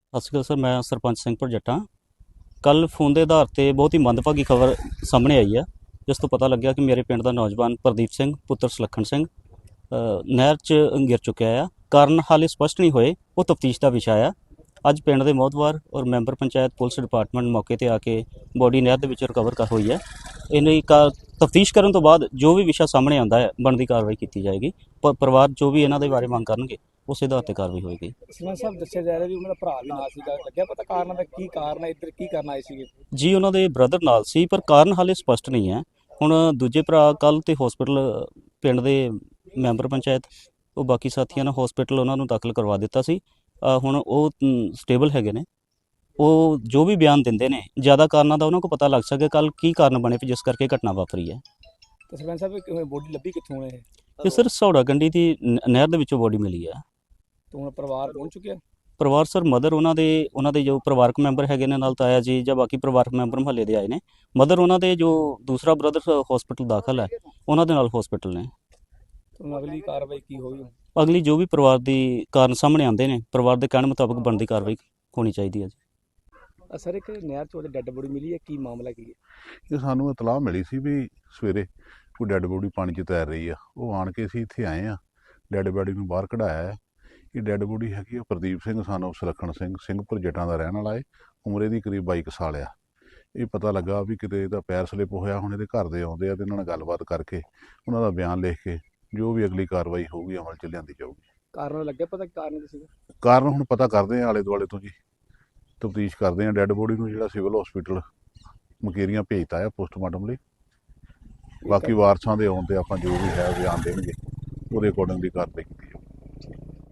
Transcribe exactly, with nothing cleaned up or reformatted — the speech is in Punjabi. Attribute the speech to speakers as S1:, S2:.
S1: ਸਤਿ ਸ਼੍ਰੀ ਅਕਾਲ ਸਰ, ਮੈਂ ਸਰਪੰਚ ਸਿੰਘ ਜੱਟਾਂ। ਕੱਲ੍ਹ ਫੋਨ ਦੇ ਆਧਾਰ 'ਤੇ ਬਹੁਤ ਹੀ ਮੰਦਭਾਗੀ ਖਬਰ ਸਾਹਮਣੇ ਆਈ ਹੈ, ਜਿਸ ਤੋਂ ਪਤਾ ਲੱਗਿਆ ਕਿ ਮੇਰੇ ਪਿੰਡ ਦਾ ਨੌਜਵਾਨ ਪ੍ਰਦੀਪ ਸਿੰਘ ਪੁੱਤਰ ਸੁਲੱਖਣ ਸਿੰਘ ਅ, ਨਹਿਰ 'ਚ ਗਿਰ ਚੁੱਕਿਆ ਆ। ਕਾਰਨ ਹਾਲੇ ਸਪਸ਼ਟ ਨਹੀਂ ਹੋਏ, ਉਹ ਤਫਤੀਸ਼ ਦਾ ਵਿਸ਼ਾ ਆ। ਅੱਜ ਪਿੰਡ ਦੇ ਮੋਹਤਵਾਰ ਔਰ ਮੈਂਬਰ ਪੰਚਾਇਤ ਪੁਲਿਸ ਡਿਪਾਰਟਮੈਂਟ ਮੌਕੇ 'ਤੇ ਆ ਕੇ ਬੋਡੀ ਨਹਿਰ ਦੇ ਵਿੱਚ ਰਿਕਵਰ ਕਰ ਹੋਈ ਹੈ। ਇਹਨੇ ਕਾ ਤਫਤੀਸ਼ ਕਰਨ ਤੋਂ ਬਾਅਦ ਜੋ ਵੀ ਵਿਸ਼ਾ ਸਾਹਮਣੇ ਆਉਂਦਾ ਹੈ, ਬਣਦੀ ਕਾਰਵਾਈ ਕੀਤੀ ਜਾਏਗੀ। ਪ ਪਰਿਵਾਰ ਜੋ ਵੀ ਇਹਨਾਂ ਦੇ ਬਾਰੇ ਮੰਗ ਕਰਨਗੇ, ਉਸੇ ਆਧਾਰ 'ਤੇ ਕਾਰਵਾਈ ਹੋਏਗੀ।
S2: ਸਰਪੰਚ ਸਾਹਿਬ ਦੱਸਿਆ ਜਾ ਰਿਹਾ ਵੀ ਉਹਨਾਂ ਦਾ ਭਰਾ ਵੀ ਨਾਲ ਸੀਗਾ, ਲੱਗਿਆ ਪਤਾ ਕਾਰਨ ਦਾ ਕੀ ਕਾਰਨ ਹੈ, ਇੱਧਰ ਕੀ ਕਰਨ ਆਏ ਸੀਗੇ?
S1: ਜੀ ਉਹਨਾਂ ਦੇ ਬ੍ਰਦਰ ਨਾਲ ਸੀ, ਪਰ ਕਾਰਨ ਹਾਲੇ ਸਪਸ਼ਟ ਨਹੀਂ ਹੈ। ਹੁਣ ਦੂਜੇ ਭਰਾ ਕੱਲ੍ਹ ਤੇ ਹਸਪੀਟਲ ਪਿੰਡ ਦੇ ਮੈਂਬਰ ਪੰਚਾਇਤ ਉਹ ਬਾਕੀ ਸਾਥੀਆਂ ਨੇ ਹਸਪੀਟਲ ਉਹਨਾਂ ਨੂੰ ਦਾਖਲ ਕਰਵਾ ਦਿੱਤਾ ਸੀ। ਅ, ਹੁਣ ਉਹ ਸਟੇਬਲ ਹੈਗੇ ਨੇ। ਉਹ ਜੋ ਵੀ ਬਿਆਨ ਦਿੰਦੇ ਨੇ, ਜ਼ਿਆਦਾ ਕਾਰਨਾਂ ਦਾ ਉਹਨਾਂ ਕੋਲ ਪਤਾ ਲੱਗ ਸਕੇ ਕੱਲ੍ਹ ਕੀ ਕਾਰਨ ਬਣੇ ਜਿਸ ਕਰਕੇ ਘਟਨਾ ਵਾਪਰੀ ਹੈ।
S2: ਤੇ ਸਰਪੰਚ ਸਾਹਿਬ ਬੋਡੀ ਲੱਭੀ ਕਿੱਥੋਂ ਹੈ ਇਹ?
S1: ਇਹ ਸਰ ਸੌੜਾ ਗੰਡੀ ਦੀ ਨ- ਨਹਿਰ ਦੇ ਵਿੱਚੋਂ ਬੋਡੀ ਮਿਲੀ ਹੈ।
S2: ਤੇ ਹੁਣ ਪਰਿਵਾਰ ਪਹੁੰਚ ਚੁੱਕਿਆ?
S1: ਪਰਿਵਾਰ ਸਰ ਮਦਰ ਉਹਨਾਂ ਦੇ ਉਹਨਾਂ ਦੇ ਜੋ ਪਰਿਵਾਰਕ ਮੈਂਬਰ ਹੈਗੇ ਨੇ, ਨਾਲ ਤਾਇਆ ਜੀ ਜਾਂ ਬਾਕੀ ਪਰਿਵਾਰਕ ਮੈਂਬਰ ਮੁਹੱਲੇ ਦੇ ਆਏ ਨੇ। ਮਦਰ ਉਹਨਾਂ ਦੇ ਜੋ ਦੂਸਰਾ ਬ੍ਰਦਰ ਹਸਪੀਟਲ ਦਾਖਲ ਹੈ, ਉਹਨਾਂ ਦੇ ਨਾਲ ਹਸਪੀਟਲ ਨੇ।
S2: ਤੇ ਹੁਣ ਅਗਲੀ ਕਾਰਵਾਈ ਕੀ ਹੋਈ?
S1: ਅਗਲੀ ਜੋ ਵੀ ਪਰਿਵਾਰ ਦੀ ਕਾਰਨ ਸਾਹਮਣੇ ਆਉਂਦੇ ਨੇ, ਪਰਿਵਾਰ ਦੇ ਕਹਿਣ ਮੁਤਾਬਕ ਬਣਦੀ ਕਾਰਵਾਈ ਹੋਣੀ ਚਾਹੀਦੀ ਹੈ ਜੀ।
S2: ਅ ਸਰ ਇੱਕ ਨਹਿਰ ਚ ਉਹਦੇ ਡੈੱਡ ਬੋਡੀ ਮਿਲੀ ਹੈ, ਕੀ ਮਾਮਲਾ ਕੀ ਹੈ?
S3: ਇਹ ਸਾਨੂੰ ਇਤਲਾਹ ਮਿਲੀ ਸੀ ਵੀ ਸਵੇਰੇ ਕੋਈ ਡੈੱਡ ਬੋਡੀ ਪਾਣੀ 'ਚ ਤੈਰ ਰਹੀ ਆ। ਉਹ ਆਣ ਕੇ ਅਸੀਂ ਇੱਥੇ ਆਏ ਆ, ਡੈੱਡ ਬੋਡੀ ਨੂੰ ਬਾਹਰ ਕਢਾਇਆ ਹੈ। ਇਹ ਡੈੱਡ ਬੋਡੀ ਹੈਗੀ ਆ ਪ੍ਰਦੀਪ ਸਿੰਘ ਸਾਨੂੰ ਸੁਲੱਖਣ ਸਿੰਘ ਸਿੰਘਪੁਰ ਜੱਟਾਂ ਦਾ ਰਹਿਣ ਵਾਲਾ ਹੈ। ਉਮਰ ਇਹਦੀ ਕਰੀਬ ਬਾਈ ਕੁ ਸਾਲ ਆ। ਇਹ ਪਤਾ ਲੱਗਾ ਵੀ ਕਿਤੇ ਇਹਦਾ ਪੈਰ ਸਲਿਪ ਹੋਇਆ। ਹੁਣ ਇਹਦੇ ਘਰ ਦੇ ਆਉਂਦੇ ਆ ਤੇ ਇਹਨਾਂ ਨਾਲ ਗੱਲਬਾਤ ਕਰਕੇ ਉਹਨਾਂ ਦਾ ਬਿਆਨ ਲਿਖ ਕੇ ਜੋ ਵੀ ਅਗਲੀ ਕਾਰਵਾਈ ਹੋਊਗੀ ਅਮਲ 'ਚ ਲਿਆਂਦੀ ਜਾਊਗੀ।
S2: ਕਾਰਨ ਲੱਗਿਆ ਪਤਾ ਕੀ ਕਾਰਨ ਕੀ ਸੀਗਾ?
S3: ਕਾਰਨ ਹੁਣ ਪਤਾ ਕਰਦੇ ਆ ਆਲੇ ਦੁਆਲੇ ਤੋਂ ਜੀ, ਤਫਤੀਸ਼ ਕਰਦੇ ਆ। ਡੈੱਡ ਬੋਡੀ ਨੂੰ ਜਿਹੜਾ ਸਿਵਲ ਹਸਪੀਟਲ ਮੁਕੇਰੀਆਂ ਭੇਜਤਾ ਆ ਪੋਸਟਮਾਰਟਮ ਲਈ। ਬਾਕੀ ਵਾਰਸਾਂ ਦੇ ਆਉਣ ਤੇ ਆਪਾਂ ਜੋ ਵੀ ਹੈ ਬਿਆਨ ਦੇਣਗੇ, ਉਹਦੇ ਅਕੋਰਡਿੰਗਲੀ ਕਾਰਵਾਈ ਕੀਤੀ ਜਾਊਗੀ।